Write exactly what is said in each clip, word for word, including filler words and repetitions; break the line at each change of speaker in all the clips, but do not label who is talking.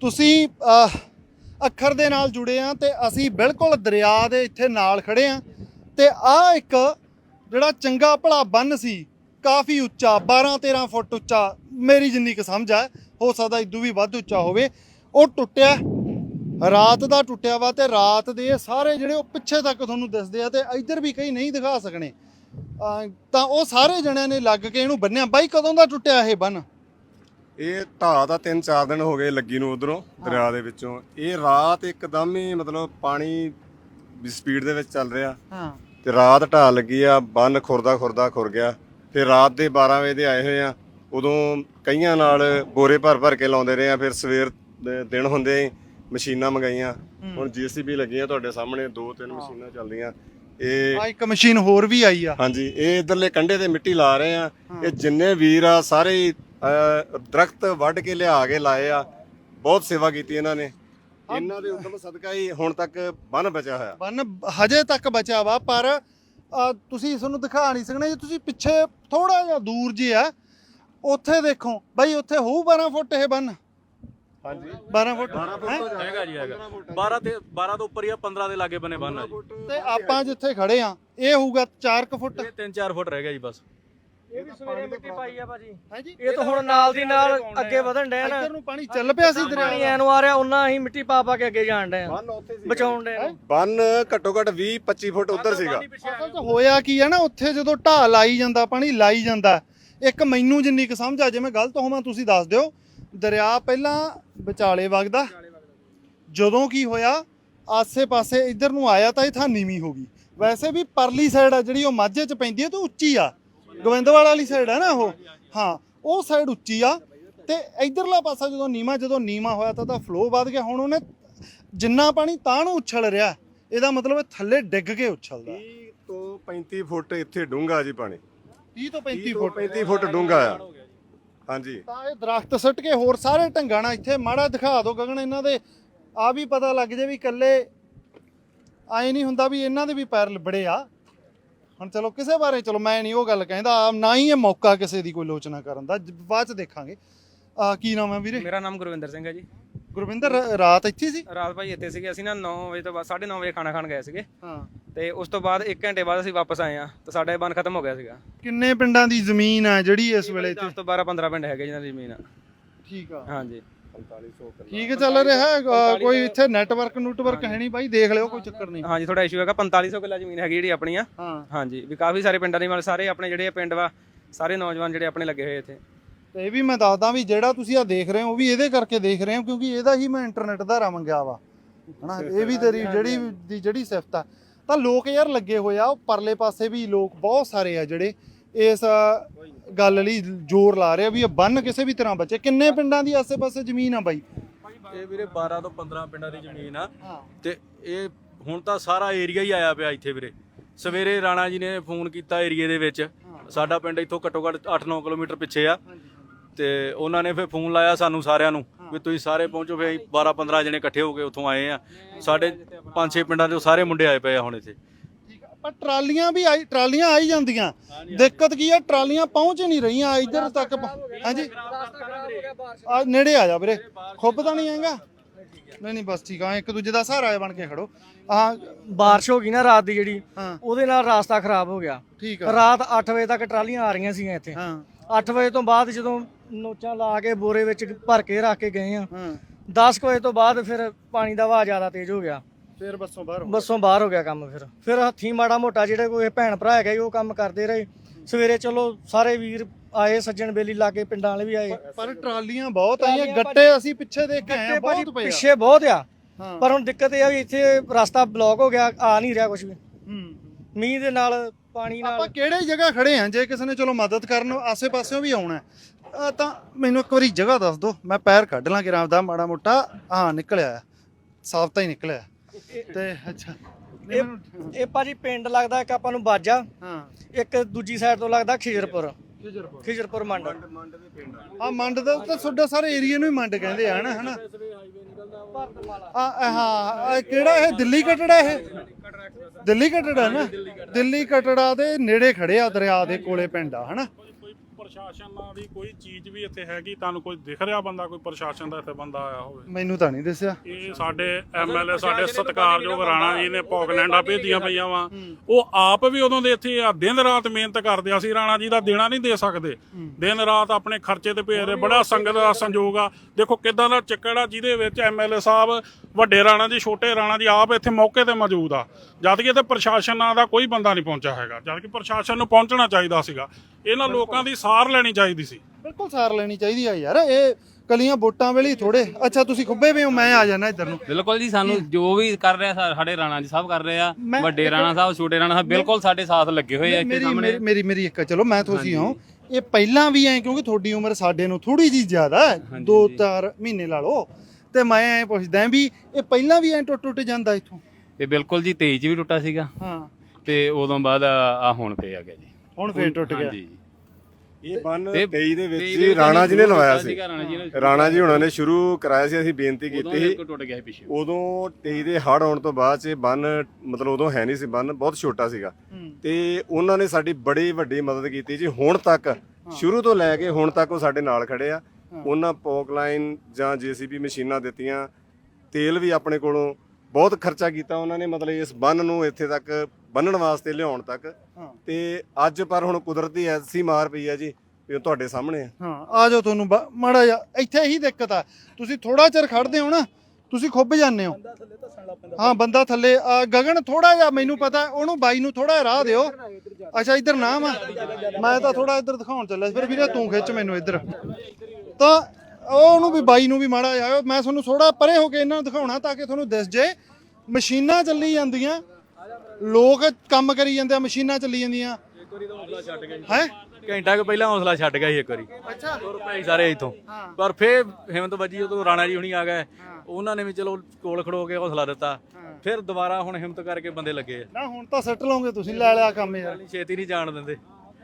ਤੁਸੀਂ ਅੱਖਰ ਦੇ ਨਾਲ ਜੁੜੇ ਆ ਤੇ ਅਸੀਂ ਬਿਲਕੁਲ ਦਰਿਆ ਦੇ ਇੱਥੇ ਨਾਲ ਖੜੇ ਆ ਤੇ ਆ ਇੱਕ ਜਿਹੜਾ ਚੰਗਾ ਭਲਾ ਬੰਨ ਸੀ ਕਾਫੀ ਉੱਚਾ ਬਾਰਾਂ ਤੇਰਾਂ ਫੁੱਟ ਉੱਚਾ, ਮੇਰੀ ਜਿੰਨੀ ਕੁ ਸਮਝ ਆ, ਹੋ ਸਕਦਾ ਇਦੋਂ ਵੀ ਵੱਧ ਉੱਚਾ ਹੋਵੇ, ਉਹ ਟੁੱਟਿਆ ਰਾਤ ਦਾ ਟੁੱਟਿਆ ਵਾ ਤੇ ਰਾਤ ਦੇ ਸਾਰੇ ਜਿਹੜੇ ਉਹ ਪਿੱਛੇ ਤੱਕ ਤੁਹਾਨੂੰ ਦਿਸਦੇ ਆ ਤੇ ਇੱਧਰ ਵੀ ਕਈ ਨਹੀਂ ਦਿਖਾ ਸਕਣੇ, ਤਾਂ ਉਹ ਸਾਰੇ ਜਣਿਆਂ ਨੇ ਲੱਗ ਕੇ ਇਹਨੂੰ ਬੰਨਿਆ। ਬਾਈ ਕਦੋਂ ਦਾ ਟੁੱਟਿਆ ਇਹ ਬੰਨ?
ਇਹ ਢਾਹ ਦਾ ਤਿੰਨ ਚਾਰ ਦਿਨ ਹੋ ਗਏ ਲੱਗੀ ਨੂੰ ਉਧਰੋਂ ਦਰਿਆ ਦੇ ਵਿੱਚੋਂ। ਇਹ ਰਾਤ ਇੱਕਦਮ ਹੀ ਮਤਲਬ ਪਾਣੀ ਵੀ ਸਪੀਡ ਦੇ ਵਿੱਚ ਚੱਲ ਰਿਹਾ
ਹਾਂ
ਤੇ ਰਾਤ ਢਾਹ ਲੱਗੀ ਆ, ਬੰਨ ਖੁਰਦਾ ਖੁਰਦਾ ਖੁਰ ਗਿਆ। ਫਿਰ ਰਾਤ ਦੇ ਬਾਰਾਂ ਵਜੇ ਦੇ ਆਏ ਹੋਏ ਆ, ਉਦੋਂ ਕਈਆਂ ਨਾਲ ਬੋਰੇ ਭਰ ਭਰ ਕੇ ਲਾਉਂਦੇ ਰਹੇ ਆ। ਫਿਰ ਸਵੇਰ ਦੇ ਦਿਨ ਹੁੰਦੇ ਮਸ਼ੀਨਾਂ ਮੰਗਾਈਆਂ, ਹੁਣ ਜੀਸੀਬੀ ਲੱਗੀਆਂ ਤੁਹਾਡੇ ਸਾਹਮਣੇ, ਦੋ ਤਿੰਨ ਮਸ਼ੀਨਾਂ ਚੱਲਦੀਆਂ। ਇਹ
ਆ ਇੱਕ ਮਸ਼ੀਨ ਹੋਰ ਵੀ ਆਈ ਆ।
ਹਾਂਜੀ, ਇਹ ਇਧਰਲੇ ਕੰਢੇ ਤੇ ਮਿੱਟੀ ਲਾ ਰਹੇ ਆ। ਇਹ ਜਿੰਨੇ ਵੀਰ ਆ ਸਾਰੇ ਦਰਖਤ ਵੱਢ ਕੇ ਲਿਆ ਕੇ ਲਾਏ ਆ, ਬਹੁਤ ਸੇਵਾ ਕੀਤੀ ਇਹਨਾਂ ਨੇ। ਇਹਨਾਂ ਦੇ ਉਦਮ ਸਦਕਾ ਹੀ ਹੁਣ ਤੱਕ ਬੰਨ ਬਚਿਆ ਹੋਇਆ।
ਬੰਨ ਹਜੇ ਤੱਕ ਬਚਿਆ ਵਾ, ਪਰ ਤੁਸੀਂ ਇਸ ਨੂੰ ਦਿਖਾ ਨਹੀਂ ਸਕਦੇ। ਜੇ ਤੁਸੀਂ ਪਿੱਛੇ ਥੋੜਾ ਜਿਹਾ ਦੂਰ ਜੇ ਆ ਉੱਥੇ ਦੇਖੋ ਬਾਈ, ਉੱਥੇ ਹੋਊ ਬਾਰਾਂ ਫੁੱਟ ਇਹ ਬੰਨ।
ਹਾਂਜੀ
ਬਾਰਾਂ ਫੁੱਟ
ਹੈਗਾ ਜੀ, ਹੈਗਾ ਬਾਰਾਂ ਤੇ ਬਾਰਾਂ ਤੋਂ ਉੱਪਰ ਹੀ ਆ, ਪੰਦਰਾਂ ਦੇ ਲਾਗੇ ਬਨੇ ਬੰਨ ਆ ਜੀ।
ਤੇ ਆਪਾਂ ਜਿੱਥੇ ਖੜੇ ਆ ਇਹ ਹੋਊਗਾ ਚਾਰ ਕੁ ਫੁੱਟ।
ਇਹ ਤਿੰਨ ਚਾਰ ਫੁੱਟ ਰਹਿ ਗਿਆ ਜੀ ਬਸ।
ਇਹ ਵੀ ਸਵੇਰੇ ਮਿੱਟੀ ਪਾਈ ਆ ਭਾਜੀ।
ਹਾਂਜੀ,
ਇਹ ਤਾਂ ਹੁਣ ਨਾਲ ਦੀ ਨਾਲ ਅੱਗੇ ਵਧਣ ਡਿਆ ਨਾ,
ਇੱਧਰ ਨੂੰ ਪਾਣੀ ਚੱਲ ਪਿਆ ਸੀ ਦਰਿਆ
ਪਾਣੀ
ਦਾ।
ਐ ਨੂੰ ਆ ਰਿਹਾ, ਉਹਨਾਂ ਅਸੀਂ ਮਿੱਟੀ ਪਾ ਪਾ ਕੇ ਅੱਗੇ ਜਾਣ ਡਏ ਆ,
ਬੰਨ ਉੱਥੇ ਸੀ,
ਬਚਾਉਣ ਡਏ ਆ।
ਬੰਨ ਘੱਟੋ ਘੱਟ ਵੀਹ ਪੱਚੀ ਫੁੱਟ ਉੱਧਰ ਸੀਗਾ।
ਅਸਲ 'ਚ ਹੋਇਆ ਕੀ ਆ ਨਾ, ਉੱਥੇ ਜਦੋਂ ਢਾਹ ਲਾਈ ਜਾਂਦਾ ਪਾਣੀ ਲਾਈ ਜਾਂਦਾ, ਇੱਕ ਮੈਨੂੰ ਜਿੰਨੀ ਕੁ ਸਮਝ ਆ, ਜੇ ਮੈਂ ਗਲਤ ਹੋਵਾਂ ਤੁਸੀਂ ਦੱਸ ਦਿਓ, ਦਰਿਆ ਪਹਿਲਾਂ ਵਿਚਾਲੇ ਵਗਦਾ, ਜਦੋਂ ਕੀ ਹੋਇਆ ਆਸੇ ਪਾਸੇ ਇੱਧਰ ਨੂੰ ਆਇਆ ਤਾਂ ਇਹ ਥਾਂ ਨੀਵੀਂ ਹੋ ਗਈ। ਵੈਸੇ ਵੀ ਪਰਲੀ ਸਾਈਡ ਆ ਜਿਹੜੀ ਉਹ ਮਾਝੇ 'ਚ ਪੈਂਦੀ ਹੈ ਤੇ ਉੱਚੀ ਆ, ਗੋਬਿੰਦਵਾਲ ਵਾਲੀ ਸਾਈਡ ਆ ਨਾ ਉਹ, ਹਾਂ ਉਹ ਸਾਈਡ ਉੱਚੀ ਆ ਤੇ ਇਧਰਲਾ ਪਾਸਾ ਜਦੋਂ ਨੀਵਾਂ ਜਦੋਂ ਨੀਵਾਂ ਹੋਇਆ ਤਾਂ ਤਾਂ ਫਲੋ ਵੱਧ ਗਿਆ। ਹੁਣ ਉਹਨੇ ਜਿੰਨਾ ਪਾਣੀ ਤਾਂ ਨੂੰ ਉਛਲ ਰਿਹਾ, ਇਹਦਾ ਮਤਲਬ ਇਹ ਥੱਲੇ ਡਿੱਗ ਕੇ ਉਛਲਦਾ।
ਤੀਹ ਤੋਂ ਪੈਂਤੀ ਫੁੱਟ ਇੱਥੇ ਡੂੰਘਾ ਜੀ ਪਾਣੀ,
ਤੀਹ ਤੋਂ ਪੈਂਤੀ
ਫੁੱਟ
ਫੁੱਟ
ਪੈਂਤੀ ਫੁੱਟ ਡੂੰਘਾ ਆ। ਹਾਂਜੀ,
ਤਾਂ ਇਹ ਦਰਖਤ ਸੁੱਟ ਕੇ ਹੋਰ ਸਾਰੇ ਢੰਗਾਂ ਨਾਲ ਇੱਥੇ ਮਾੜਾ ਦਿਖਾ ਦਿਓ ਗਗਨ, ਇਹਨਾਂ ਦੇ ਆ ਵੀ ਪਤਾ ਲੱਗ ਜੇ ਵੀ ਇਕੱਲੇ ਆਏ ਨਹੀਂ ਹੁੰਦਾ ਵੀ ਇਹਨਾਂ ਦੇ ਵੀ ਪੈਰ ਲਿਬੜੇ ਆ। ਹੁਣ ਚਲੋ ਕਿਸੇ ਬਾਰੇ ਚਲੋ ਮੈਂ ਨਹੀਂ ਉਹ ਗੱਲ ਕਹਿੰਦਾ, ਨਾ ਹੀ ਇਹ ਮੌਕਾ ਕਿਸੇ ਦੀ ਕੋਈ ਆਲੋਚਨਾ ਕਰਨ ਦਾ, ਬਾਅਦ ਚ ਦੇਖਾਂਗੇ। ਆ ਕੀ ਨਾਮ ਹੈ ਵੀਰੇ?
ਮੇਰਾ ਨਾਮ ਗੁਰਵਿੰਦਰ ਸਿੰਘ ਹੈ ਜੀ।
ਗੁਰਵਿੰਦਰ, ਰਾਤ ਇੱਥੇ ਸੀ?
ਰਾਤ ਭਾਈ ਇੱਥੇ ਸੀਗੇ ਅਸੀਂ ਨਾ ਨੌ ਵਜੇ ਤੋਂ ਬਾਅਦ ਸਾਢੇ ਨੌ ਵਜੇ ਖਾਣਾ ਖਾਣ ਗਏ ਸੀਗੇ,
ਹਾਂ,
ਤੇ ਉਸ ਤੋਂ ਬਾਅਦ ਇੱਕ ਘੰਟੇ ਬਾਅਦ ਅਸੀਂ ਵਾਪਸ ਆਏ ਆ ਤਾਂ ਸਾਡਾ ਇਹ ਬੰਨ ਖਤਮ ਹੋ ਗਿਆ ਸੀਗਾ।
ਕਿੰਨੇ ਪਿੰਡਾਂ ਦੀ ਜ਼ਮੀਨ ਹੈ ਜਿਹੜੀ ਇਸ ਵੇਲੇ ਇੱਥੇ?
ਦਸ ਤੋਂ ਬਾਰਾਂ ਪੰਦਰਾਂ ਪਿੰਡ ਹੈਗੇ ਜਿਹਨਾਂ ਦੀ ਜ਼ਮੀਨ ਆ।
ਠੀਕ ਆ,
ਹਾਂਜੀ
ਠੀਕ ਹੈ, ਚੱਲ ਰਿਹਾ ਹੈ। ਅ, ਕੋਈ ਇੱਥੇ ਨੈਟਵਰਕ ਨੁਟਵਰਕ ਹੈ ਨਹੀਂ ਬਾਈ, ਦੇਖ ਲਿਓ, ਕੋਈ ਚੱਕਰ ਨਹੀਂ।
ਹਾਂਜੀ ਥੋੜਾ ਇਸ਼ੂ ਹੈਗਾ, ਪੰਤਾਲੀ ਸੌ ਕਿੱਲਾ ਜ਼ਮੀਨ ਹੈਗੀ ਜਿਹੜੀ ਆਪਣੀ ਆ।
ਹਾਂ,
ਹਾਂਜੀ ਵੀ ਕਾਫੀ ਸਾਰੇ ਪਿੰਡਾਂ ਦੀ ਮਤਲਬ ਸਾਰੇ ਆਪਣੇ ਜਿਹੜੇ ਪਿੰਡ ਵਾ ਸਾਰੇ ਨੌਜਵਾਨ ਜਿਹੜੇ ਆਪਣੇ ਲੱਗੇ ਹੋਏ ਇੱਥੇ।
ਤੇ ਇਹ ਵੀ ਮੈਂ ਦੱਸਦਾ ਵੀ ਜਿਹੜਾ ਤੁਸੀਂ ਆ ਦੇਖ ਰਹੇ ਹੋ ਉਹ ਵੀ ਇਹਦੇ ਕਰਕੇ ਦੇਖ ਰਹੇ ਹੋ ਕਿਉਂਕਿ ਇਹਦਾ ਹੀ ਮੈਂ ਇੰਟਰਨੈਟ ਧਾਰਾ ਮੰਗਿਆ ਵਾ, ਹਨਾ। ਇਹ ਵੀ ਤੇਰੀ ਜਿਹੜੀ ਦੀ ਜਿਹੜੀ ਸਿਫਤ ਆ, ਤਾਂ ਲੋਕ ਯਾਰ ਲੱਗੇ ਹੋਏ ਆ, ਉਹ ਪਰਲੇ ਪਾਸੇ ਵੀ ਲੋਕ ਬਹੁਤ ਸਾਰੇ ਆ ਜਿਹੜੇ ਇਸ ਗੱਲ ਲਈ ਜ਼ੋਰ ਲਾ ਰਹੇ ਆ ਵੀ ਇਹ ਬੰਨ ਕਿਸੇ ਵੀ ਤਰ੍ਹਾਂ ਬਚੇ। ਕਿੰਨੇ ਪਿੰਡਾਂ ਦੀ ਆਸੇ ਪਾਸੇ ਜ਼ਮੀਨ ਆ ਬਾਈ?
ਇਹ ਵੀਰੇ ਬਾਰਾਂ ਤੋਂ ਪੰਦਰਾਂ ਪਿੰਡਾਂ ਦੀ ਜ਼ਮੀਨ ਆ
ਹਾਂ,
ਤੇ ਇਹ ਹੁਣ ਤਾਂ ਸਾਰਾ ਏਰੀਆ ਹੀ ਆਇਆ ਪਿਆ ਇੱਥੇ ਵੀਰੇ। ਸਵੇਰੇ ਰਾਣਾ ਜੀ ਨੇ ਫੋਨ ਕੀਤਾ ਏਰੀਏ ਦੇ ਵਿੱਚ, ਸਾਡਾ ਪਿੰਡ ਇੱਥੋਂ ਘੱਟੋ ਘੱਟ ਅੱਠ ਨੌ ਕਿਲੋਮੀਟਰ ਪਿੱਛੇ ਆ, ਤੇ ਉਹਨਾਂ ਨੇ ਫਿਰ ਫੋਨ ਲਾਇਆ ਸਾਨੂੰ ਸਾਰਿਆਂ ਨੂੰ ਵੀ ਤੁਸੀਂ ਸਾਰੇ ਪਹੁੰਚੋ। ਫਿਰ ਬਾਰਾਂ ਪੰਦਰਾਂ ਜਣੇ ਇਕੱਠੇ ਹੋ ਕੇ ਉੱਥੋਂ ਆਏ ਆ। ਸਾਡੇ ਪੰਜ ਛੇ ਪਿੰਡਾਂ ਦੇ ਸਾਰੇ ਮੁੰਡੇ ਆਏ ਪਏ ਆ ਹੁਣ ਇੱਥੇ।
ਠੀਕ ਆ, ਪਰ ਟਰਾਲੀਆਂ ਵੀ ਆਈ ਟਰਾਲੀਆਂ ਆਈ ਜਾਂਦੀਆਂ, ਦਿੱਕਤ ਕੀ ਆ, ਟਰਾਲੀਆਂ ਪਹੁੰਚ ਨਹੀਂ ਰਹੀਆਂ ਇੱਧਰ ਤੱਕ। ਹਾਂਜੀ ਆ ਨੇੜੇ ਆ ਜਾ ਵੀਰੇ, ਖੁੱਬ ਤਾਂ ਨਹੀਂ ਆਏਗਾ? ਨਹੀਂ ਨਹੀਂ ਬਸ ਠੀਕ ਆ, ਇੱਕ ਦੂਜੇ ਦਾ ਸਹਾਰਾ ਬਣ ਕੇ ਖੜੋ। ਹਾਂ,
ਬਾਰਿਸ਼ ਹੋ ਗਈ ਨਾ ਰਾਤ ਦੀ ਜਿਹੜੀ,
ਹਾਂ
ਉਹਦੇ ਨਾਲ ਰਾਸਤਾ ਖਰਾਬ ਹੋ ਗਿਆ।
ਠੀਕ ਆ,
ਰਾਤ ਅੱਠ ਵਜੇ ਤੱਕ ਟਰਾਲੀਆਂ ਆ ਰਹੀਆਂ ਸੀਗੀਆਂ ਇੱਥੇ।
ਹਾਂ
ਅੱਠ ਵਜੇ ਤੋਂ ਬਾਅਦ ਜਦੋਂ ਨੋਚਾਂ ਲਾ ਕੇ ਬੋਰੇ ਵਿੱਚ ਭਰ ਕੇ ਰੱਖ ਕੇ ਗਏ ਆ,
ਹਾਂ,
ਦਸ ਕੁ ਵਜੇ ਤੋਂ ਬਾਅਦ ਫਿਰ ਪਾਣੀ ਦਾ ਵਹਾਅ ਜ਼ਿਆਦਾ ਤੇਜ਼ ਹੋ ਗਿਆ,
ਫਿਰ ਬੱਸੋਂ ਬਾਹਰ ਹੋ
ਬੱਸੋਂ ਬਾਹਰ ਹੋ ਗਿਆ ਕੰਮ। ਫਿਰ ਫਿਰ ਹੱਥੀਂ ਮਾੜਾ ਮੋਟਾ ਜਿਹੜੇ ਕੋਈ ਭੈਣ ਭਰਾ ਹੈਗੇ ਉਹ ਕੰਮ ਕਰਦੇ ਰਹੇ। ਸਵੇਰੇ ਚਲੋ ਸਾਰੇ ਵੀਰ ਆਏ, ਸੱਜਣ ਬੇਲੀ ਲਾ ਕੇ ਪਿੰਡਾਂ ਵਾਲੇ ਵੀ ਆਏ।
ਪਰ ਟਰਾਲੀਆਂ ਬਹੁਤ ਆਈਆਂ, ਗੱਟੇ ਅਸੀਂ ਪਿੱਛੇ ਦੇਖ ਕੇ ਆਏ ਆ, ਬਹੁਤ ਪਏ ਆ।
ਪਿੱਛੇ ਬਹੁਤ ਆ,
ਹਾਂ,
ਪਰ ਹੁਣ ਦਿੱਕਤ ਇਹ ਆ ਵੀ ਇੱਥੇ ਰਸਤਾ ਬਲੌਕ ਹੋ ਗਿਆ, ਆ ਨਹੀਂ ਰਿਹਾ ਕੁਝ ਵੀ
ਹੂੰ।
ਮੀਂਹ ਦੇ ਨਾਲ, ਪਾਣੀ
ਆਪਾਂ
ਨਾਲ।
ਕਿਹੜੇ ਜਗ੍ਹਾ ਖੜੇ ਆ? ਜੇ ਕਿਸੇ ਨੇ ਚਲੋ ਮਦਦ ਕਰਨ ਆਸੇ ਪਾਸਿਓਂ ਵੀ ਆਉਣਾ ਹੈ ਤਾਂ ਮੈਨੂੰ ਇੱਕ ਵਾਰੀ ਜਗ੍ਹਾ ਦੱਸ ਦਿਓ, ਮੈਂ ਪੈਰ ਕੱਢ ਲਾਂ ਕਿਰਾਂ ਦਾ ਮਾੜਾ ਮੋਟਾ। ਹਾਂ ਨਿਕਲਿਆ, ਸਾਫ ਤਾਂ ਹੀ ਨਿਕਲਿਆ। ਤੇ ਅੱਛਾ,
ਇਹ ਇਹ ਭਾਜੀ ਪਿੰਡ ਲੱਗਦਾ ਇੱਕ ਆਪਾਂ ਨੂੰ ਬਾਜਾ,
ਹਾਂ,
ਇੱਕ ਦੂਜੀ ਸਾਈਡ ਤੋਂ ਲੱਗਦਾ ਖਿਜਰਪੁਰ।
ਖਿਜਰਪੁਰ,
ਖਿਜਰਪੁਰ ਮੰਡ।
ਆ ਮੰਡ ਦਾ ਤਾਂ ਤੁਹਾਡਾ ਸਾਰੇ ਏਰੀਆ ਨੂੰ ਹੀ ਮੰਡ ਕਹਿੰਦੇ ਆ ਹਨਾ ਹਨਾ। ਆ ਹਾਂ, ਕਿਹੜਾ ਇਹ ਦਿੱਲੀ ਕਟੜਾ? ਇਹ ਦਿੱਲੀ ਕਟੜਾ ਨਾ, ਦਿੱਲੀ ਕਟੜਾ ਦੇ ਨੇੜੇ ਖੜੇ ਆ, ਦਰਿਆ ਦੇ ਕੋਲੇ ਪਿੰਡ ਆ ਹਨਾ।
ਪ੍ਰਸ਼ਾਸਨ ਨਾਲ ਦੀ ਕੋਈ ਚੀਜ਼ ਵੀ ਇੱਥੇ ਹੈਗੀ ਤੁਹਾਨੂੰ ਕੋਈ ਦਿਖ ਰਿਹਾ ਬੰਦਾ ਕੋਈ ਪ੍ਰਸ਼ਾਸਨ ਦਾ ਇੱਥੇ ਬੰਦਾ ਆਇਆ ਹੋਵੇ?
ਮੈਨੂੰ ਤਾਂ ਨਹੀਂ ਦੱਸਿਆ।
ਇਹ ਸਾਡੇ ਐਮਐਲਏ ਸਾਡੇ ਸਤਿਕਾਰਯੋਗ ਰਾਣਾ ਜੀ ਨੇ ਪੌਕਲੈਂਡਾਂ ਭੇਜੀਆਂ ਪਈਆਂ ਵਾ। ਉਹ ਆਪ ਵੀ ਉਦੋਂ ਦੇ ਇੱਥੇ ਆ ਦਿਨ ਰਾਤ ਮਿਹਨਤ ਕਰਦੇ ਆ। ਅਸੀਂ ਰਾਣਾ ਜੀ ਦਾ ਦੇਣਾ ਨਹੀਂ ਦੇ ਸਕਦੇ। ਦਿਨ ਰਾਤ ਆਪਣੇ ਖਰਚੇ ਤੇ ਭੇਜਦੇ, ਬੜਾ ਸੰਗਤ ਦਾ ਸੰਯੋਗ ਆ। ਦੇਖੋ ਕਿੱਦਾਂ ਦਾ ਚੱਕੜ ਆ ਜਿਹਦੇ ਵਿੱਚ ਐਮਐਲਏ ਸਾਹਿਬ ਵੱਡੇ ਰਾਣਾ ਜੀ ਛੋਟੇ ਰਾਣਾ ਜੀ ਆਪ ਇੱਥੇ ਮੌਕੇ ਤੇ ਮੌਜੂਦ ਆ। ਜਦ ਕਿ ਇੱਥੇ ਪ੍ਰਸ਼ਾਸਨ ਨਾਂ ਦਾ ਕੋਈ ਬੰਦਾ ਨਹੀਂ ਪਹੁੰਚਿਆ ਹੈਗਾ, ਜਦ ਕਿ ਪ੍ਰਸ਼ਾਸਨ ਨੂੰ ਪਹੁੰਚਣਾ ਚਾਹੀਦਾ ਸੀਗਾ। ਇਹਨਾਂ ਲੋਕਾਂ ਦੀ ਸਾਰ ਲੈਣੀ ਚਾਹੀਦੀ ਸੀ।
ਬਿਲਕੁਲ ਸਾਰ ਲੈਣੀ ਚਾਹੀਦੀ ਆ ਯਾਰ। ਇਹ ਕਲੀਆਂ ਵੋਟਾਂ ਵੇਲੇ ਥੋੜੇ। ਅੱਛਾ ਤੁਸੀਂ ਖੁੱਬੇ ਵੀ ਹੋ, ਮੈਂ ਆ ਜਾਣਾ ਇੱਧਰ ਨੂੰ।
ਬਿਲਕੁਲ ਜੀ, ਸਾਨੂੰ ਜੋ ਵੀ ਕਰ ਰਿਹਾ ਸਾ- ਸਾਡੇ ਰਾਣਾ ਜੀ ਸਾਹਿਬ ਕਰ ਰਹੇ ਆ,
ਮੈਂ-
ਵੱਡੇ ਰਾਣਾ ਸਾਹਿਬ ਛੋਟੇ ਰਾਣਾ ਸਾਹਿਬ ਬਿਲਕੁਲ ਸਾਡੇ ਸਾਥ ਲੱਗੇ ਹੋਏ ਆ ਇੱਥੇ
ਮੇਰੀ
ਸਾਹਮਣੇ।
ਮੇਰੀ- ਮੇਰੀ ਮੇਰੀ ਇੱਕ ਚਲੋ ਮੈਂ ਤੁਸੀਂ ਹਾਂ ਇਹ ਪਹਿਲਾਂ ਵੀ ਐ ਕਿਉਂਕਿ ਤੁਹਾਡੀ ਉਮਰ ਸਾਡੇ ਨੂੰ ਥੋੜੀ ਜੀ ਜ਼ਿਆਦਾ ਹੈ,
ਹਾਂਜੀ,
ਦੋ
ਜੀ।
ਚਾਰ ਮਹੀਨੇ ਲਾ ਲਓ। ਤੇ ਮੈਂ ਐ ਪੁੱਛਦਾ ਵੀ ਇਹ ਪਹਿਲਾਂ ਵੀ ਐ ਟੁੱਟ ਟੁੱਟ ਜਾਂਦਾ ਇੱਥੋਂ?
ਇਹ ਬਿਲਕੁਲ ਜੀ ਤੇਈ ਚ ਵੀ ਟੁੱਟਾ ਸੀਗਾ
ਹਾਂ
ਤੇ ਉਦੋਂ ਬਾਅਦ ਆ ਹੁਣ ਤੇ ਆ ਗਿਆ ਜੀ।
ਹੁਣ ਫੇਰ ਟੁੱਟ ਗਿਆ।
ਹਾਂਜੀ।
ਇਹ ਬੰਨ
ਤੇ
ਤੇਈ ਦੇ ਵਿੱਚ
ਤੇਈ
ਹੀ
ਦੇ
ਰਾਣਾ ਜੀ ਨੇ
ਸ਼ੁਰੂ
ਲਵਾਇਆ
ਕੀਤਾ
ਸੀ।
ਸੀਗਾ, ਰਾਣਾ ਜੀ ਨੇ
ਰਾਣਾ ਜੀ ਹੁਣਾਂ ਨੇ ਸ਼ੁਰੂ ਕਰਾਇਆ ਸੀ। ਅਸੀਂ ਬੇਨਤੀ
ਉਦੋਂ
ਕੀਤੀ ਸੀ।
ਇੱਕ ਟੁੱਟ ਗਿਆ ਸੀ ਪਿੱਛੇ।
ਉਦੋਂ ਤੇਈ ਦੇ ਹੜ੍ਹ ਆਉਣ ਤੋਂ ਬਾਅਦ 'ਚ ਬੰਨ ਮਤਲਬ ਉਦੋਂ ਹੈ ਨਹੀਂ ਸੀ, ਬੰਨ ਬਹੁਤ ਛੋਟਾ ਸੀਗਾ ਤੇ ਉਹਨਾਂ ਨੇ ਸਾਡੀ ਬੜੀ ਵੱਡੀ ਮਦਦ ਕੀਤੀ ਜੀ। ਹੁਣ ਤੱਕ ਸ਼ੁਰੂ ਤੋਂ ਲੈ ਕੇ ਹੁਣ ਤੱਕ ਉਹ ਸਾਡੇ ਨਾਲ ਖੜੇ ਆ। ਉਹਨਾਂ ਪੌਕ ਲਾਈਨ ਜਾਂ ਜੀਸੀਬੀ ਮਸ਼ੀਨਾਂ ਦਿੱਤੀਆਂ, ਤੇਲ ਵੀ ਆਪਣੇ ਕੋਲੋਂ ਬਹੁਤ ਖਰਚਾ ਕੀਤਾ ਉਹਨਾਂ ਨੇ, ਮਤਲਬ ਇਸ ਬੰਨ ਨੂੰ ਇੱਥੇ ਤੱਕ ਬੰਨਣ ਵਾਸਤੇ ਲਿਆਉਣ ਤੱਕ। ਤੇ ਅੱਜ ਪਰ ਹੁਣ ਕੁਦਰਤੀ ਐਸੀ ਮਾਰ ਪਈ ਆ ਜੀ ਵੀ ਉਹ ਤੁਹਾਡੇ ਸਾਹਮਣੇ ਆ।
ਹਾਂ ਆ ਜਾਓ, ਤੁਹਾਨੂੰ ਬ- ਮਾੜਾ ਜਿਹਾ ਇੱਥੇ ਹੀ ਦਿੱਕਤ ਆ। ਤੁਸੀਂ ਥੋੜਾ ਚਿਰ ਖੜਦੇ ਹੋ ਨਾ, ਤੁਸੀਂ ਖੁੱਭ ਜਾਂਦੇ ਹੋ। ਹਾਂ ਬੰਦਾ ਥੱਲੇ ਆ। ਗਗਨ ਥੋੜਾ ਜਿਹਾ ਮੈਨੂੰ ਪਤਾ, ਉਹਨੂੰ ਬਾਈ ਨੂੰ ਥੋੜਾ ਰਾਹ ਦਿਓ। ਅੱਛਾ ਇੱਧਰ ਨਾ ਵਾ, ਮੈਂ ਤਾਂ ਥੋੜਾ ਇੱਧਰ ਦਿਖਾਉਣ ਚੱਲਿਆ ਸੀ। ਫਿਰ ਵੀਰੇ ਤੂੰ ਖਿੱਚ ਮੈਨੂੰ ਇੱਧਰ। ਤਾਂ ਉਹਨੂੰ ਵੀ ਬਾਈ ਨੂੰ ਵੀ ਮਾੜਾ ਜਿਹਾ, ਮੈਂ ਤੁਹਾਨੂੰ ਥੋੜਾ ਪਰੇ ਹੋ ਕੇ ਇਹਨਾਂ ਨੂੰ ਦਿਖਾਉਣਾ ਤਾਂ ਕਿ ਤੁਹਾਨੂੰ ਦਿਸ ਜੇ। ਮਸ਼ੀਨਾਂ ਚੱਲੀ ਜਾਂਦੀਆਂ, ਲੋਕ ਕੰਮ ਕਰੀ ਜਾਂਦੇ ਆ, ਮਸ਼ੀਨਾਂ ਚੱਲੀ ਜਾਂਦੀਆਂ।
ਇੱਕ ਵਾਰੀ ਤਾਂ ਹੌਸਲਾ ਛੱਡ ਗਿਆ
ਹੈ
ਘੰਟਾ ਕੁ ਪਹਿਲਾਂ ਹੌਸਲਾ ਛੱਡ ਗਿਆ ਸੀ ਇੱਕ ਵਾਰੀ।
ਅੱਛਾ
ਤੁਰ ਪਏ ਸਾਰੇ ਇੱਥੋਂ। ਪਰ ਫੇਰ ਹਿੰਮਤ ਵੱਜੀ ਜਦੋਂ ਰਾਣਾ ਜੀ ਹੁਣੀ ਆ ਗਏ, ਉਹਨਾਂ ਨੇ ਵੀ ਚਲੋ ਕੋਲ ਖੜੋ ਕੇ ਹੌਸਲਾ ਦਿੱਤਾ। ਫਿਰ ਦੁਬਾਰਾ ਹੁਣ ਹਿੰਮਤ ਕਰਕੇ ਬੰਦੇ ਲੱਗੇ ਆ।
ਨਾ ਹੁਣ ਤਾਂ ਸੱਟ ਲਾਉਂਗੇ ਤੁਸੀਂ, ਲੈ ਲਿਆ ਕੰਮ ਯਾਰ।
ਛੇਤੀ ਨਹੀਂ ਜਾਣ ਦਿੰਦੇ।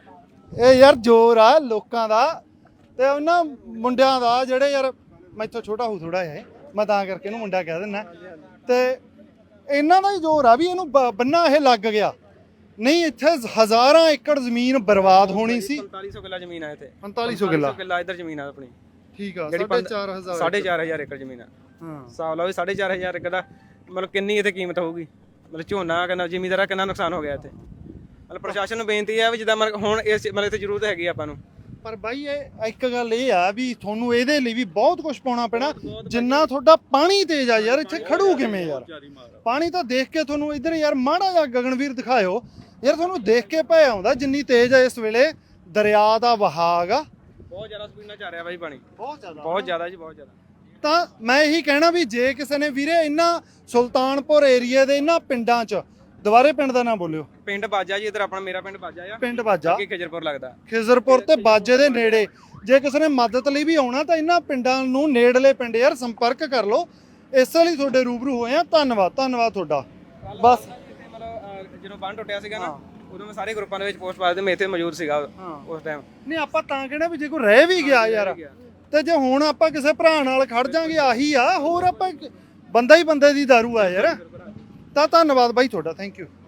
ਇਹ ਯਾਰ ਜ਼ੋਰ ਆ ਲੋਕਾਂ ਦਾ ਤੇ ਉਹਨਾਂ ਮੁੰਡਿਆਂ ਦਾ ਜਿਹੜੇ ਯਾਰ ਮੈਥੋਂ ਛੋਟਾ ਹੋ ਥੋੜਾ ਜਿਹਾ, ਮੈਂ ਤਾਂ ਕਰਕੇ ਇਹਨੂੰ ਮੁੰਡਾ ਕਹਿ ਦਿੰਦਾ। ਤੇ ਇਹਨਾਂ ਦਾ ਹੀ ਜ਼ੋਰ ਆ ਵੀ ਇਹਨੂੰ ਬ- ਬੰਨਾ ਇਹ ਲੱਗ ਗਿਆ। ਨਹੀਂ ਇੱਥੇ ਹਜ਼ਾਰਾਂ ਏਕੜ ਜ਼ਮੀਨ ਬਰਬਾਦ ਹੋਣੀ ਸੀ।
ਪੰਤਾਲੀ ਸੌ ਕਿੱਲਾ ਜ਼ਮੀਨ ਆ ਇੱਥੇ।
ਪੰਤਾਲੀ ਸੌ ਕਿੱਲਾ
ਕਿੱਲਾ ਇੱਧਰ ਜ਼ਮੀਨ ਆ ਆਪਣੀ।
ਠੀਕ ਆ।
ਜਿਹੜੀ
ਸਾਢੇ ਚਾਰ ਹਜ਼ਾਰ
ਸਾਢੇ ਚਾਰ ਹਜ਼ਾਰ ਏਕੜ ਜ਼ਮੀਨ ਆ।
ਹਾਂ
ਹਿਸਾਬ ਲਾਓ ਵੀ ਸਾਢੇ ਚਾਰ ਹਜ਼ਾਰ ਏਕੜ ਦਾ ਮਤਲਬ ਕਿੰਨੀ ਇੱਥੇ ਕੀਮਤ ਹੋਊਗੀ। ਮਤਲਬ ਝੋਨਾ ਕਿੰਨਾ, ਜ਼ਿਮੀਂਦਾਰਾਂ ਕਿੰਨਾ ਨੁਕਸਾਨ ਹੋ ਗਿਆ ਇੱਥੇ। ਮਤਲਬ ਪ੍ਰਸ਼ਾਸਨ ਨੂੰ ਬੇਨਤੀ ਹੈ ਵੀ ਜਿੱਦਾਂ ਮਤਲਬ ਹੁਣ ਇਸ ਮਤਲਬ ਇੱਥੇ ਜ਼ਰੂਰਤ ਹੈਗੀ ਆਪਾਂ ਨੂੰ।
ਪਰ ਬਾਈ ਇਹ ਇੱਕ ਗੱਲ ਇਹ ਆ ਵੀ ਤੁਹਾਨੂੰ ਇਹਦੇ ਲਈ ਵੀ ਬਹੁਤ ਕੁਝ ਪਾਉਣਾ ਪੈਣਾ। ਜਿੰਨਾ ਤੁਹਾਡਾ ਪਾਣੀ ਤੇਜ਼ ਆ ਯਾਰ, ਇੱਥੇ ਖੜੂ ਕਿਵੇਂ ਯਾਰ? ਪਾਣੀ ਤਾਂ ਦੇਖ ਕੇ ਤੁਹਾਨੂੰ ਇੱਧਰ ਯਾਰ ਮਾੜਾ ਜਿਹਾ ਗਗਨਵੀਰ ਦਿਖਾਇਓ ਯਾਰ, ਤੁਹਾਨੂੰ ਦੇਖ ਕੇ ਭੈ ਆਉਂਦਾ ਜਿੰਨੀ ਤੇਜ਼ ਆ ਇਸ ਵੇਲੇ ਦਰਿਆ ਦਾ ਵਹਾਅ ਆ।
ਬਹੁਤ ਜ਼ਿਆਦਾ ਸਪੀਡ ਨਾਲ ਚੱਲ ਰਿਹਾ ਬਾਈ ਪਾਣੀ,
ਬਹੁਤ ਜ਼ਿਆਦਾ
ਬਹੁਤ ਜ਼ਿਆਦਾ ਜੀ, ਬਹੁਤ ਜ਼ਿਆਦਾ।
ਤਾਂ ਮੈਂ ਇਹੀ ਕਹਿਣਾ ਵੀ ਜੇ ਕਿਸੇ ਨੇ ਵੀਰੇ ਇਹਨਾਂ ਸੁਲਤਾਨਪੁਰ ਏਰੀਆ ਦੇ ਇਹਨਾਂ ਪਿੰਡਾਂ 'ਚ, ਦੁਬਾਰੇ ਪਿੰਡ ਦਾ ਨਾਮ ਬੋਲਿਓ।
ਪਿੰਡ ਬਾਜਾ ਜੀ, ਇੱਧਰ ਆਪਣਾ ਮੇਰਾ ਪਿੰਡ ਬਾਜਾ ਆ,
ਪਿੰਡ ਬਾਜਾ,
ਅੱਗੇ ਖਿਜਰਪੁਰ ਲੱਗਦਾ।
ਖਿਜ਼ਰਪੁਰ ਤੇ ਬਾਜੇ ਦੇ ਨੇੜੇ। ਜੇ ਕਿਸੇ ਨੇ ਮਦਦ ਲਈ ਵੀ ਆਉਣਾ ਤਾਂ ਇਹਨਾਂ ਪਿੰਡਾਂ ਨੂੰ ਨੇੜਲੇ ਪਿੰਡ ਯਾਰ ਸੰਪਰਕ ਕਰ ਲਓ। ਇਸੇ ਲਈ ਤੁਹਾਡੇ ਰੂਬਰੂ ਹੋਏ ਆ। ਧੰਨਵਾਦ ਧੰਨਵਾਦ ਤੁਹਾਡਾ। ਬਸ
ਮਤਲਬ ਅਹ, ਜਦੋਂ ਬੰਨ ਟੁੱਟਿਆ ਸੀਗਾ ਨਾ, ਉਦੋਂ ਮੈਂ ਸਾਰੇ ਗਰੁੱਪਾਂ ਦੇ ਵਿੱਚ ਪੋਸਟ ਪਾ ਦਿੱਤੇ, ਮੈਂ ਇੱਥੇ ਮੌਜੂਦ ਸੀਗਾ ਉਸ ਟਾਈਮ।
ਨਹੀਂ ਆਪਾਂ ਤਾਂ ਕਹਿਣਾ ਵੀ ਜੇ ਕੋਈ ਰਹਿ ਵੀ ਗਿਆ ਯਾਰ, ਤੇ ਜੇ ਹੁਣ ਆਪਾਂ ਕਿਸੇ ਭਰਾ ਨਾਲ ਖੜ ਜਾਾਂਗੇ ਆਹੀ ਆ। ਹੋਰ ਆਪਾਂ ਬੰਦਾ ਹੀ ਬੰਦੇ ਦੀ ਦਾਰੂ ਆ ਯਾਰ। ਤਾਂ ਧੰਨਵਾਦ ਬਾਈ ਤੁਹਾਡਾ, ਥੈਂਕ ਯੂ।